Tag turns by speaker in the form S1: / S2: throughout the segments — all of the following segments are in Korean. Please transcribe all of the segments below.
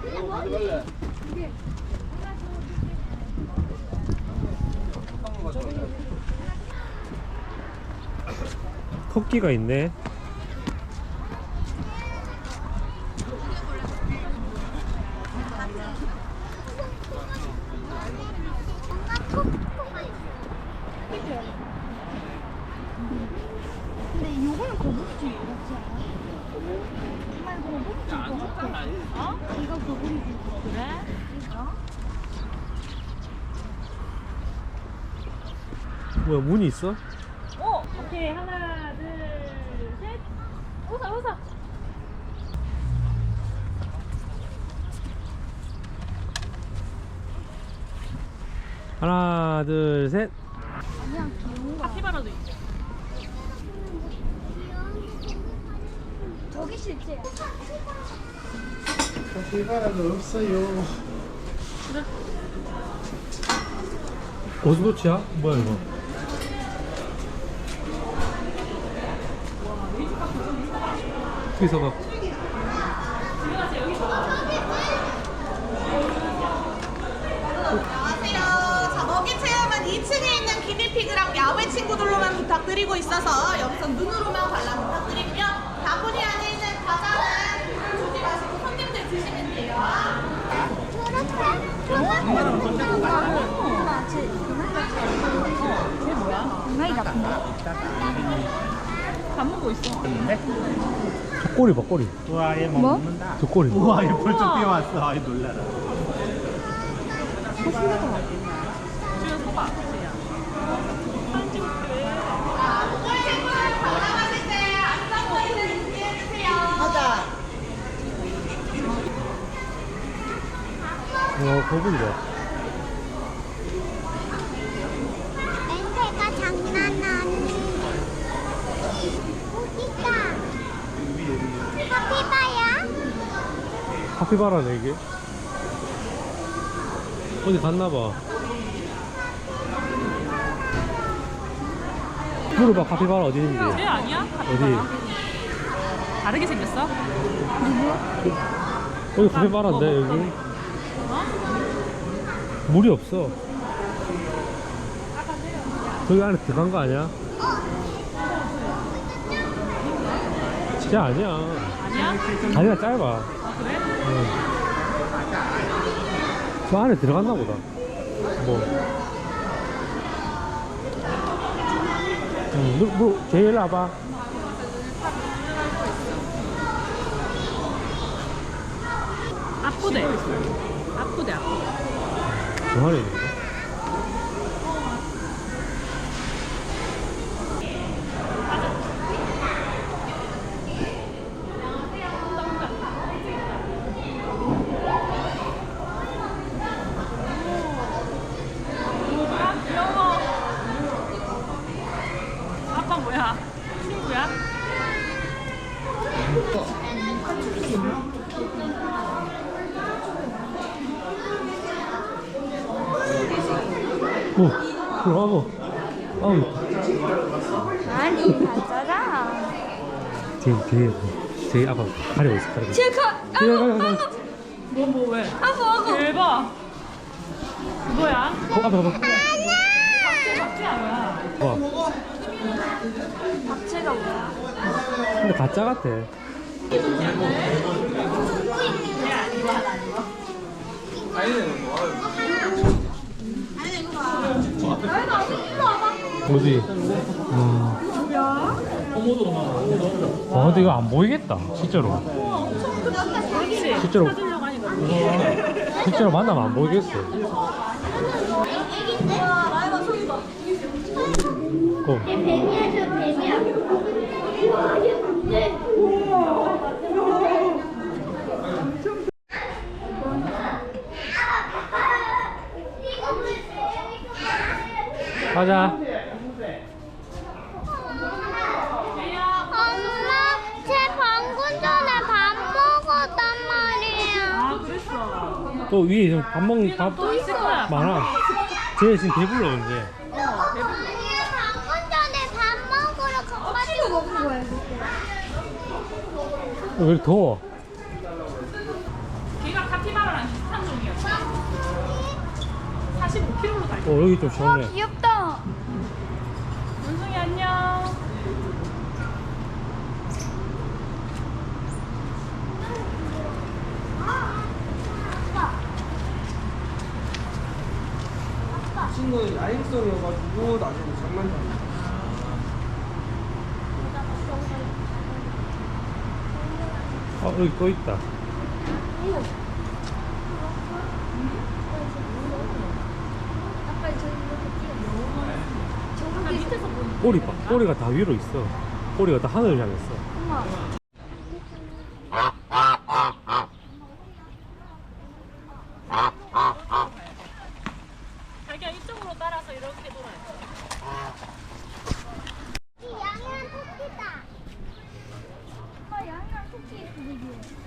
S1: 토끼가 있네.
S2: 근데 이거는 거북이지 같지 않아? 정말 거북이지 것 같아. 어? 이거 거북이지. 그래? 이거?
S1: 뭐야, 문이 있어?
S3: 오! 오케이. 하나, 둘, 셋. 웃어, 웃어.
S1: 하나, 둘, 셋.
S2: 아니야, 귀여운 거.
S3: 카피바라도 있어.
S2: 저기 실제야.
S4: 카피바라는 없어요.
S1: 고스도치야? 뭐야 이거? 여기서 봐.
S5: 안녕하세요. 자, 먹이 체험은 2층에 있는 기니피그랑 야외 친구들로만 부탁드리고 있어서 여기서 눈으로만 관람 부탁드리고요. 바구니 안에 있는 과자는 주지 마시고 손님들 드시면 돼요.
S3: 쟤 뭐야?
S2: 강아지 같은 거.
S3: 밥 먹고 있어.
S1: 저 꼬리 봐, 꼬리.
S4: 우와, 얘
S2: 뭐?
S4: 먹는다.
S1: 저 꼬리.
S4: 우와, 얘 벌써 뛰어왔어. 아이, 놀라라.
S3: 주연 서봐. 쟤야. 사진 찍을게.
S5: 자, 동물 친구들 관람하실 때 안전거리를 유지해주세요. 맞아.
S1: 거북이다.
S2: 냄새가 장난 아니야. 여기다. 카피바야?
S1: 카피바라네 이게. 어디 갔나봐. 물어봐, 카피바라 어디 있는지.
S3: 쟤 아니야?
S1: 어디?
S3: 다르게 생겼어?
S1: 여기 카피바라인데 여기. 물이 없어. 저기 안에 들어간 거 아니야? 진짜 아니야.
S3: 아니야?
S1: 다리가 짧아.
S3: 아, 그래?
S1: 응. 저 안에 들어갔나 보다. 뭐. 제일 와봐.
S3: 아프대. 아프대, 아프대.
S1: 저 안에 있는데?
S3: 아, 귀여워. 아빠 뭐야? 친구야?
S1: 오, 들어가고. 아우,
S2: 아니, 가져라.
S1: 뒤에 아빠 가려고 있어, 가려고 있어.
S2: 칠카.
S3: 뭐, 왜?
S2: 아구.
S3: 대박. 뭐야?
S1: 아빠.
S3: 박쥐 아니야?
S1: 와,
S2: 박채가 뭐야?
S1: 근데 가짜 같아. 어디? 아, 근데 이거 안 보이겠다, 실제로.
S3: 그렇지.
S1: 실제로.
S3: 찾으려고 하니까.
S1: 실제로 만나면 안 보이겠어. 고. 가자.
S2: 엄마, 제 방금 전에 밥 먹었단 말이야.
S3: 아, 그랬어.
S1: 또 위에 밥 먹는 밥
S3: 또 있을 거야.
S1: 많아. 쟤 지금 배불러 이제.
S2: 아니야, 방금 전에 밥 먹으러 가가지고 먹은 거야.
S1: 왜 이렇게 더워?
S3: 걔가 카피바라 45kg로 달려.
S1: 여기 좀 시원해.
S2: 귀엽다.
S3: 원숭이 안녕.
S6: 친구는 야행성이어가지고 나중에 장난감.
S1: 여기 또 있다.
S2: 아빠 저기 이렇게 찍어. 저기
S1: 꼬리가 다 위로 있어. 꼬리가 다 하늘을 향했어.
S2: 엄마.
S3: 자기야 이쪽으로 따라서 이렇게 돌아요.
S2: 양이랑 토끼다. 엄마 양이랑 토끼 있어 여기.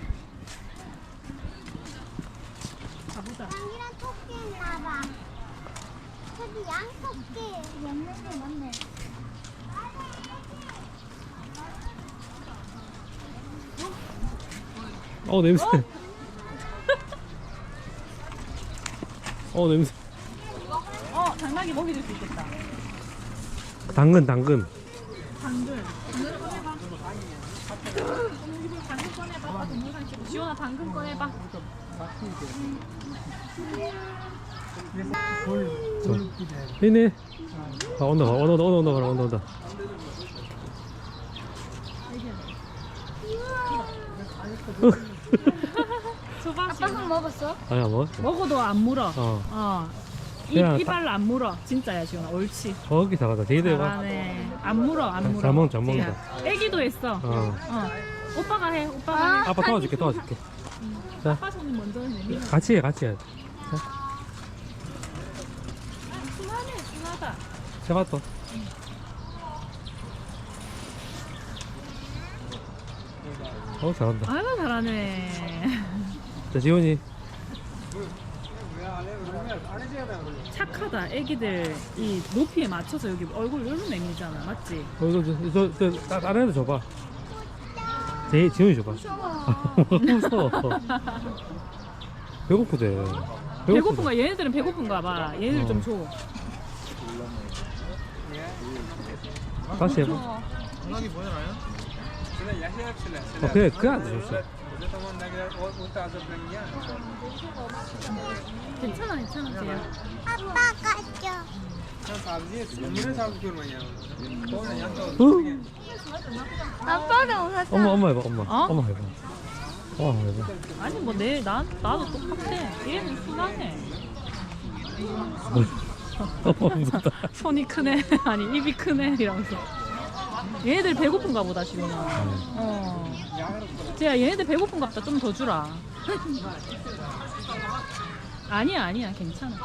S3: 가보자.
S2: 양이랑 토끼 있나봐. 저기 양 토끼. 양면이 맞네.
S1: 냄새. 냄새.
S3: 당나귀 먹이 줄 수 있겠다.
S1: 당근.
S3: 당근 꺼내봐. 아빠 동영상 찍고. 지원아 당근 꺼내봐.
S1: 있네. 온다.
S3: 수박
S2: 아빠 한 먹었어?
S1: 아니, 안 먹었어.
S3: 먹어도 안 물어.
S1: 그냥
S3: 이빨로 안 물어. 진짜야 지원아. 옳지.
S1: 저기 다가다. 제이들 봐.
S3: 잘하네. 안 물어.
S1: 잘 먹는다.
S3: 지혜야. 애기도 했어. 오빠가 해. 오빠가 해.
S1: 아빠 도와줄게.
S3: 아빠 손이 먼저 해.
S1: 같이 해.
S3: 순하네. 순하다.
S1: 제가 또. 잘한다.
S3: 아이고 잘하네.
S1: 자, 지훈이.
S3: 착하다. 애기들 이 높이에 맞춰서 여기 얼굴 요런 내미잖아. 맞지?
S1: 다른 애들 줘봐. 지훈이 줘봐. 무서워. 배고프대.
S3: 배고픈가? 얘네들은 배고픈가 봐. 얘네들 좀 줘.
S1: 다시 해봐. 그냥 줬어.
S3: 괜찮아 지혜야.
S2: 아빠 가져. 아빠가 웃었어.
S1: 엄마 해봐.
S3: 어?
S1: 엄마 해봐.
S3: 아니 뭐 나도 똑같아. 얘는 순하네.
S1: 무섭다.
S3: 손이 크네. 아니 입이 크네 이러면서. 얘네들 배고픈가 보다 지훈아. 쟤야 얘네들 배고픈가 보다. 좀 더 주라. 아니야 괜찮아.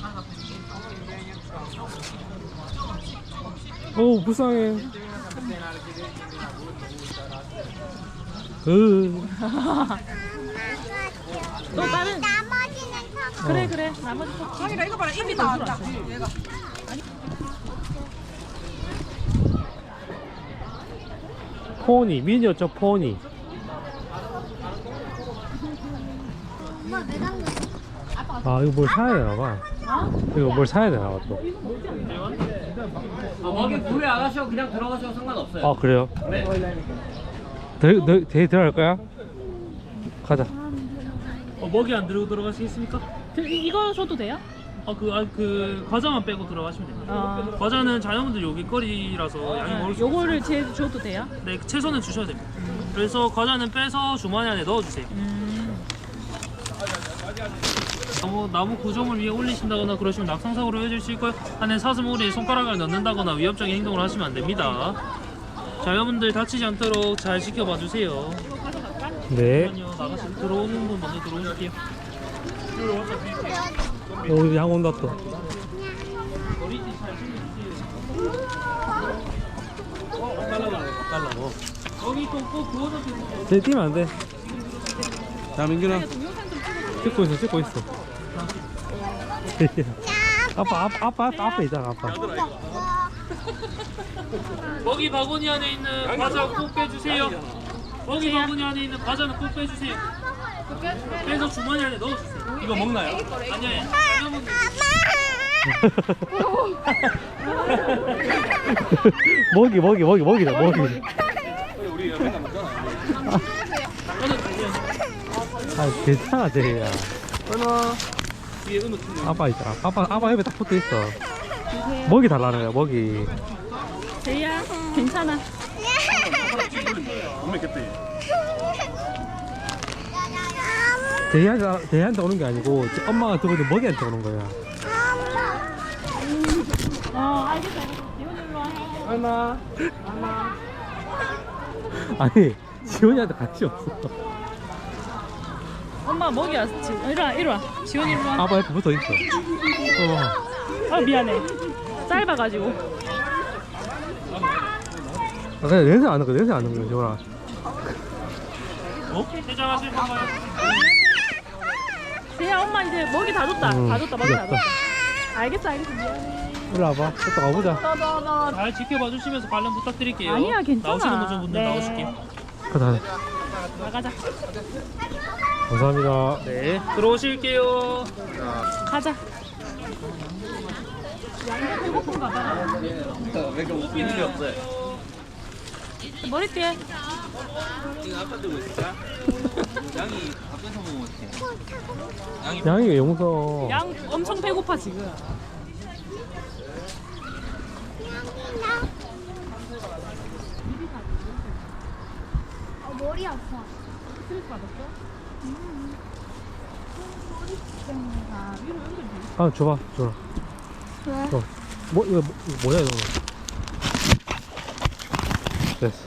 S1: 불쌍해.
S3: 또 다른
S2: 나머지는 저
S3: 그래 나머지 토끼. 아니라 이거 봐라 입이 나왔다. 얘가.
S1: 미니어처 포니.
S2: 엄마 매장
S1: 이거 뭘 사야 되나 봐. 이거 뭘 사야 되나 봐 또.
S6: 먹이 구매 안 하셔도 그냥 들어가셔도 상관없어요.
S1: 그래요?
S6: 네.
S1: 대 들어갈 거야? 가자.
S7: 먹이 안 들고 들어가시겠습니까?
S3: 이거 줘도 돼요?
S7: 그 과자만 빼고 들어가시면 됩니다. 과자는 자녀분들 요깃거리라서 양이 먹을 수
S3: 요거를
S7: 없어요.
S3: 줘도 돼요?
S7: 네, 채소는 주셔야 됩니다. 그래서 과자는 빼서 주머니 안에 넣어주세요. 나무 구조물 위에 올리신다거나 그러시면 낙상사고로 이어질 수 있고요. 안에 사슴오리에 손가락을 넣는다거나 위협적인 행동을 하시면 안 됩니다. 자녀분들 다치지 않도록 잘 지켜봐 주세요.
S1: 네.
S7: 나가시 들어오는 분 먼저 들어오실게요.
S1: 양 온다 또.
S7: 여기 꼭 구워서 드세요.
S1: 쟤 뛰면 안 돼.
S4: 자, 민균아.
S1: 찍고 있어. 아빠 앞에 있잖아, 아빠.
S7: 먹이 바구니 안에 있는 과자 꼭 빼주세요. 먹이 바구니 안에 있는 과자는 꼭 빼주세요. 빼서 주머니 안에 넣어주세요.
S4: 이거 먹나요?
S7: 아니요.
S2: 아빠!
S1: 먹이다 먹이.
S6: 우리 맨날 먹잖아.
S1: 아 괜찮아 제이야.
S6: 하나. 뒤에 은우 팀.
S1: 아빠 있잖아. 아빠 옆에 딱 붙어 있어. 먹이 달라는 먹이.
S3: 제이야 괜찮아.
S6: 못 먹겠대.
S1: 제이한테 오는 게 아니고 엄마가 들어오는 먹이한테 오는 거야.
S3: 알겠어. 지훈이 일로 와.
S6: 하나.
S1: 아니 지훈이한테 같이 없어.
S3: 엄마 먹이 왔어. 지훈. 이리 와. 지훈이 일로 와.
S1: 아빠 옆에 붙어 있어.
S3: 아 미안해. 짧아가지고.
S1: 그냥 냄새 안 나거 냄새 안 나거 지훈아.
S7: 퇴장하실 건가요?
S3: 제이야 엄마 이제 먹이 다 줬다.
S1: 응,
S3: 다 줬다. 먹이 다
S1: 귀엽다.
S3: 줬다. 알겠어 미안해.
S1: 일로 와봐. 또 가보자.
S7: 잘 지켜봐 주시면서 관련 부탁드릴게요.
S3: 아니야, 괜찮아.
S7: 나오시는 분들
S3: 네.
S7: 나오실게요.
S1: 가자.
S3: 나가자.
S1: 감사합니다.
S7: 네, 들어오실게요.
S3: 가자.
S6: 왜 이렇게 웃긴 일이 없어요?
S3: 머리띠에.
S6: 이거 아빠 들고 있을까? 양이 앞에서 먹으면 어떡해?
S1: 양이가 용서.
S3: 양 엄청 배고파 지금.
S2: 머리 아파.
S3: 스트레스 받았어?
S1: 아 줘봐 줘라.
S2: 왜?
S1: 뭐 이거 뭐야 이거. 됐어.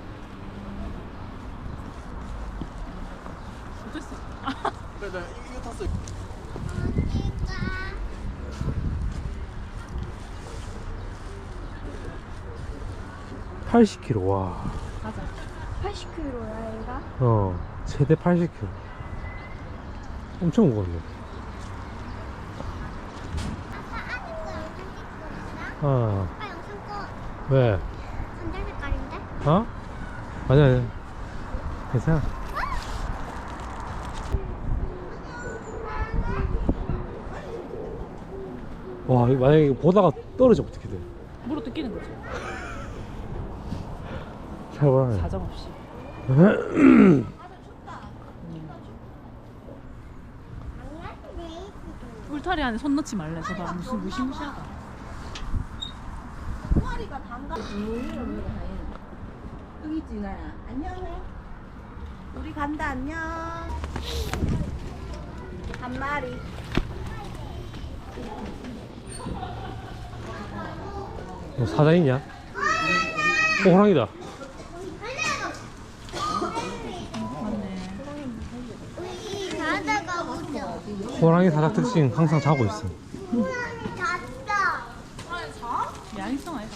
S3: 어땠어?
S6: 그래, 나 이거 탔어.
S1: 80kg 와.
S3: 가자.
S2: 80kg야 얘가?
S1: 최대 80kg. 엄청 무거웠네. 어.
S2: 아빠 영상 꺼.
S1: 왜?
S2: 반달 색깔인데?
S1: 어? 아니야. 괜찮아. 와, 이거 만약에 보다가 떨어지면 어떻게 돼?
S3: 물어 뜯기는 거지.
S1: 잘 보라.
S3: 사정 없이. 울타리 안에 손 넣지 말래. 저봐 무슨 무시무시하다.
S8: 여기 있지 나야. 안녕해. 우리 간다 안녕. 한 마리.
S1: 너 사자이냐? 호랑이다.
S2: 우리 자다가 보자.
S1: 호랑이 사자 특징 항상 자고 있어.
S2: 잤다.
S3: 야행성 아이가.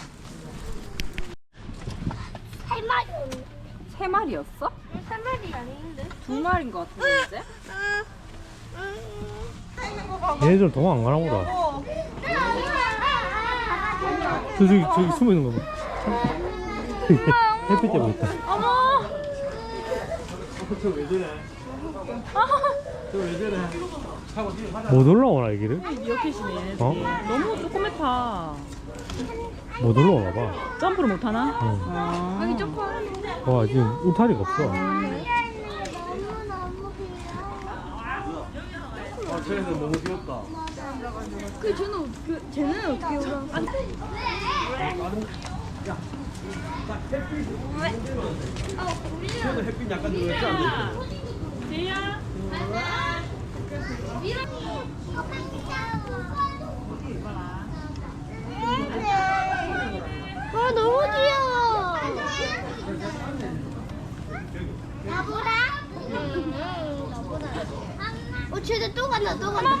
S2: 세 마리.
S8: 세 마리였어?
S2: 세 마리 아닌데?
S8: 두 마리인 것 같은데.
S1: 얘네들 도망 안 가나 보다. 저기 숨어 있는 거 봐. 햇빛 때문에 있다.
S3: 어머.
S6: 저왜 저래? 저왜 저래?
S1: 못 올라오나 여기를?
S3: 미어캣이네 얘네들이.
S1: 어?
S3: 너무 조그맣다.
S1: 못 올라오나 봐.
S3: 점프를 못 하나?
S1: 응.
S3: 여기
S1: 와 지금 울타리가 없어.
S6: 아, 쟤네들 너무 귀엽다.
S2: 쟤는 어떻게 올라?
S6: 쟤네들 햇빛 약간 들어갔지 않나?
S3: 제이야.
S2: 와 너무 귀여워. 나보라? 쟤네 또 간다 또 간다.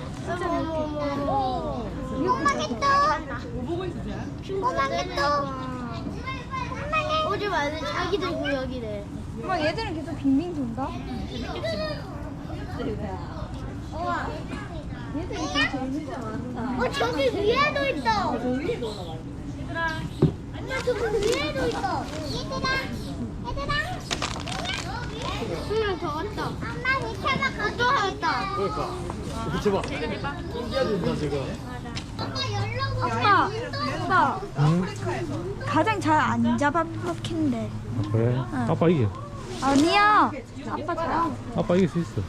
S2: 어머. 꼬마개똥.
S3: 뭐 보고 있어 쟤?
S2: 꼬마개똥. 오지 말래 자기들 구역이래.
S9: 엄마 얘들은 계속 빙빙 돈다?
S2: 저기 위에도 있어. 엄마 저기 위에도 있어. 얘들아. 더 왔다. 엄마 밑에만 가져왔다.
S6: 그러니까. 이거 봐. 신기하다 지금.
S9: 아빠
S1: 응?
S9: 가장 잘 안 잡아먹힌데.
S1: 아, 그래? 아빠 이겨.
S9: 아니야. 아빠 잘.
S1: 아빠 이길 수 있어.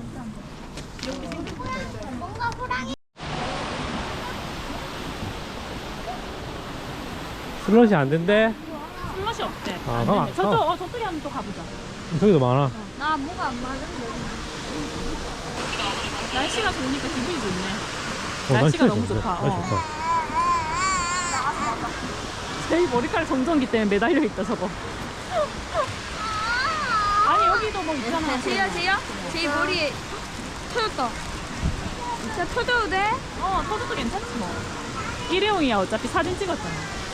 S1: 슬롯이 안 된대?
S3: 술맛이 없대.
S1: 아,
S3: 안
S1: 그럼
S3: 되네. 저쪽에 한번 또 가보자.
S1: 저기도 많아.
S9: 나 뭐가 안 맞은데.
S3: 날씨가 좋으니까 기분이 좋네.
S1: 날씨가
S3: 날씨가 너무 좋다.
S1: 날씨 좋다.
S3: 제이 머리카락 정전기 때문에 매달려 있다 저거. 아니 여기도 뭐 있잖아.
S9: 제이야. 제이 머리에 터졌다. 진짜 터져도 돼?
S3: 터져도 괜찮지 뭐. 일회용이야 어차피 사진 찍었잖아.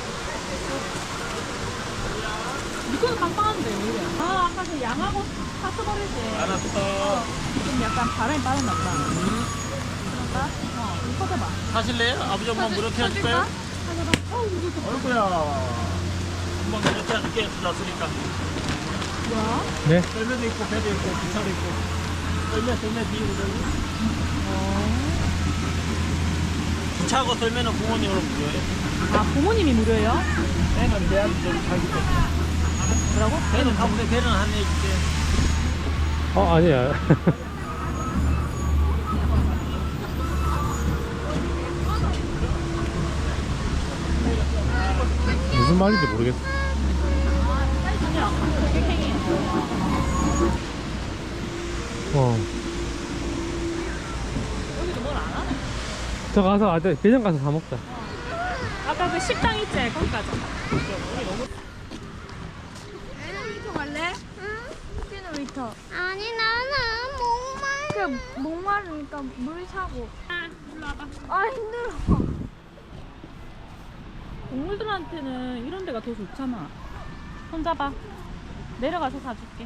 S3: 이거는 빵빵한데 왜? 아까 그 양하고 파스 버릴 때.
S7: 알았어.
S3: 좀 약간 바람이 빠졌나 보다. 그럴까? 이거 터져봐.
S7: 하실래요? 아버지 한번 무릎 해줄까요? 어이구야. 한번 무릎 해줄게. 놨으니까.
S3: 뭐야?
S1: 네?
S7: 썰매도 있고 배도 있고 기차도 있고. 썰매 비우거든요. 기차하고 썰매는 부모님으로 무료예요.
S3: 아 부모님이 무료예요?
S7: 배는 대학이 좀 살기 때문에.
S3: 뭐라고?
S7: 배는 가보세요. 배는 안내해줄게.
S1: 아니야. 무슨 말인지 모르겠어.
S3: 여기도 뭘 안 하네?
S1: 저 가서 매점 가서 사 먹자.
S3: 아까 그 식당 있지? 거기 가자.
S9: 놀이터 갈래? 응. 놀이터.
S2: 아니 나는 목말.
S9: 그 목마르니까 물 사고.
S3: 일로 와봐.
S9: 아 힘들어.
S3: 동물들한테는 이런 데가 더 좋잖아. 손잡아. 내려가서 사줄게.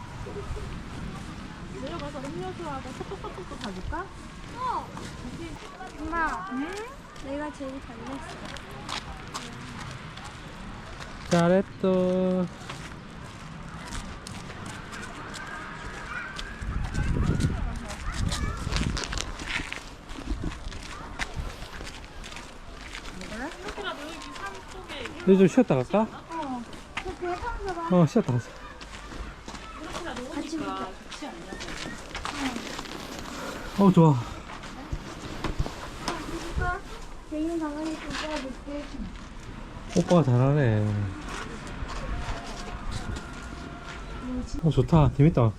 S3: 내려가서 음료수하고 소떡소떡도 사줄까?
S9: 엄마. 응? 내가 제일 잘했어.
S1: 잘했어. 너 좀 쉬었다 갈까? 쉬었다 가자.
S9: 같이 먹자.
S1: 좋아.
S9: 제이는 강아지 좀 꺼줄게.
S1: 오빠가 잘하네. 좋다. 재밌다.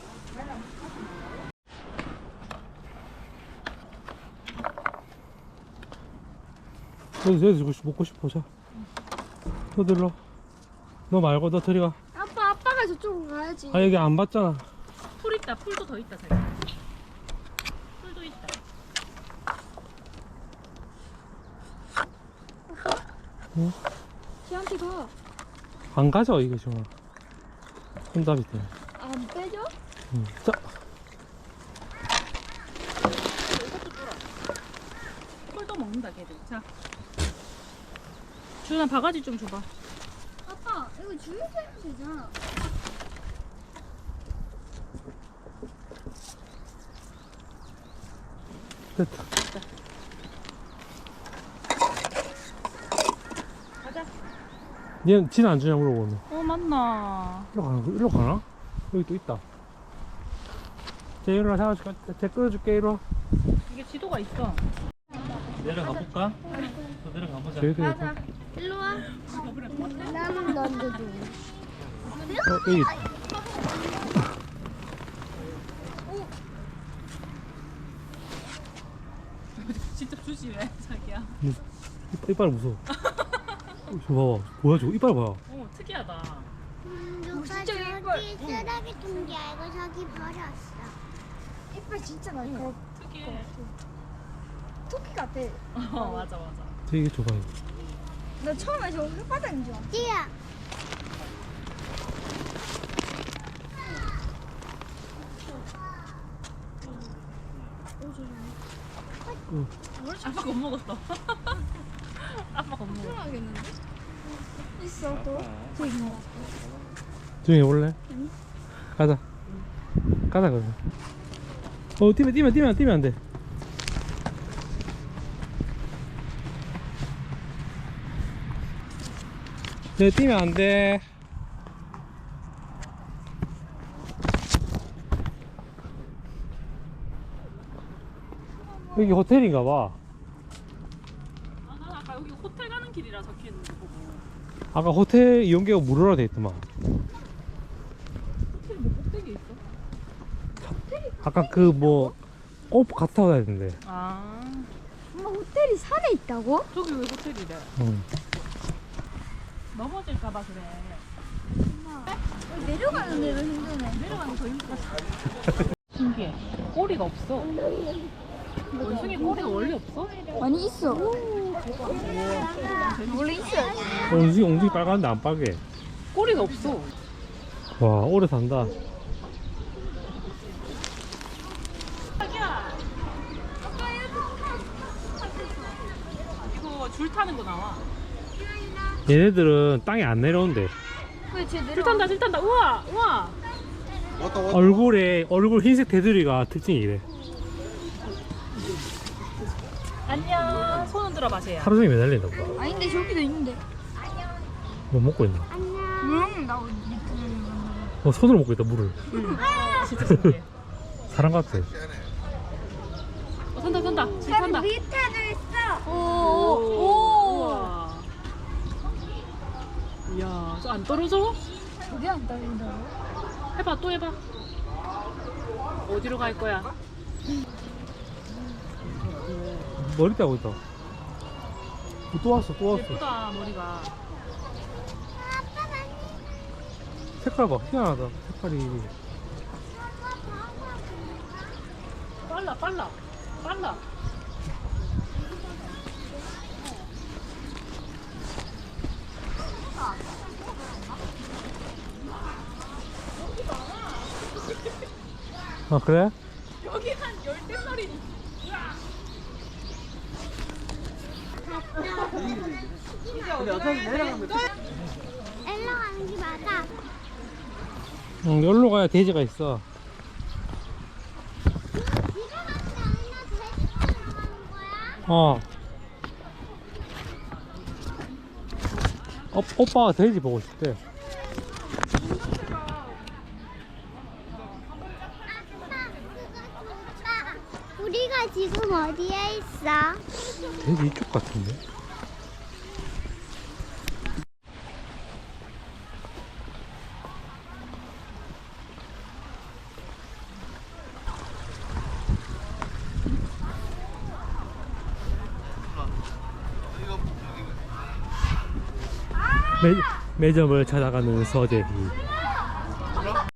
S1: 여기 먹고 싶어. 자. 너 들러. 너 말고 너 들이가.
S9: 아빠가 저쪽으로 가야지.
S1: 여기 안 봤잖아.
S3: 풀 있다. 풀도 더 있다. 저기. 풀도 있다.
S1: 응?
S9: 쟤한테 가.
S1: 안 가져 이게 지금. 손잡이 때문에.
S9: 안 빼줘?
S1: 응. 자.
S3: 풀도 먹는다 걔들. 자. 주연아 바가지 좀 줘봐.
S9: 아빠 이거 주유소 해도 되잖아.
S1: 됐다.
S3: 가자.
S1: 얘는 지는 안 주냐 물어보네.
S3: 맞나.
S1: 일로 가나? 여기 또 있다. 쟤 일로 사가줄까? 쟤 끌어줄게 이리 와.
S3: 이게 지도가 있어.
S7: 내려가 볼까? 또 내려가 보자.
S1: 쟤도 있고.
S9: 일로 와. 나는 너도 줘.
S1: 여기.
S3: 직접 주지 왜 자기야.
S1: 이빨 무서워. 저 봐봐. 뭐야 저거 이빨 봐.
S3: 특이하다.
S2: 누가
S9: 진짜
S2: 저기
S9: 이걸.
S2: 쓰레기통지 알고 저기 버렸어.
S9: 이빨 진짜 많이 나.
S3: 특이해.
S9: 토끼 같아.
S3: 맞아.
S1: 되게 좁아 이거.
S9: 나 처음에 저거 혓바닥인 줄 알았어.
S2: 띠야.
S3: 아빠 못 먹었어. 아빠 못 먹었어.
S9: 불안하겠는데? 있어 또. 저기 뭐.
S1: 조용히 해볼래? 가자. 가자 그러면. 뛰면 안 돼. 내 뛰면 안 돼. 여기 호텔인가 봐.
S3: 아, 난 아까 여기 호텔 가는 길이라 적혀 있는 거 보고.
S1: 아까 호텔 이용료가 무료라 돼 있더만.
S3: 호텔 뭐 꼭대기에 있어?
S1: 아까 그 뭐 갔다 타고 가야 되는데.
S3: 아,
S9: 엄마 호텔이 산에 있다고?
S3: 저기 왜 호텔이래?
S1: 응.
S3: 넘어질까봐 그래.
S9: 내려가는 데도 힘드네.
S3: 내려가는 거 더 힘들었어. 신기해. 꼬리가 없어. 원숭이 꼬리가 원래 없어?
S9: 아니 있어. 원래 있어요.
S1: 옹지 빨간데 안 빨개.
S3: 꼬리가 없어.
S1: 와, 오래 산다.
S3: 이거 줄 타는 거 나와.
S1: 얘네들은 땅에 안 내려온대.
S9: 왜 제대로?
S3: 줄 탄다, 줄 탄다. 우와, 우와.
S6: 왔다 왔다.
S1: 얼굴 흰색 테두리가 특징이래.
S3: 안녕. 손 흔들어 마세요.
S1: 하루 종일 매달린다 보다.
S9: 아닌데 저기도 있는데.
S1: 뭐 먹고 있나?
S9: 나
S1: 손으로 먹고 있다, 물을.
S3: 진짜 신기해.
S1: 사람 같아.
S3: 탄다, 탄다. 줄 탄다.
S9: 밑에도 있어.
S3: 오. 우와. 이야, 저 안 떨어져?
S9: 저게 안 떨린다고?
S3: 해봐, 또 해봐. 어디로 갈 거야?
S1: 머리 떼고 있다. 또 왔어.
S3: 예쁘다, 머리가.
S1: 색깔 봐, 희한하다. 색깔이.
S3: 빨라.
S1: 아, 그래?
S3: 여기 한 열댓 마리.
S6: 근데 어차피 내려가면
S9: 엘러 가는 게 맞아.
S1: 응, 여기로 가야 돼지가 있어.
S9: 집에 가는 게 아니라 돼지로 가는 거야?
S1: 어. 오빠가 돼지 보고 싶대.
S9: 아빠, 그거 좋다. 우리가 지금 어디에 있어?
S1: 돼지 이쪽 같은데? 매점을 찾아가는 서재희.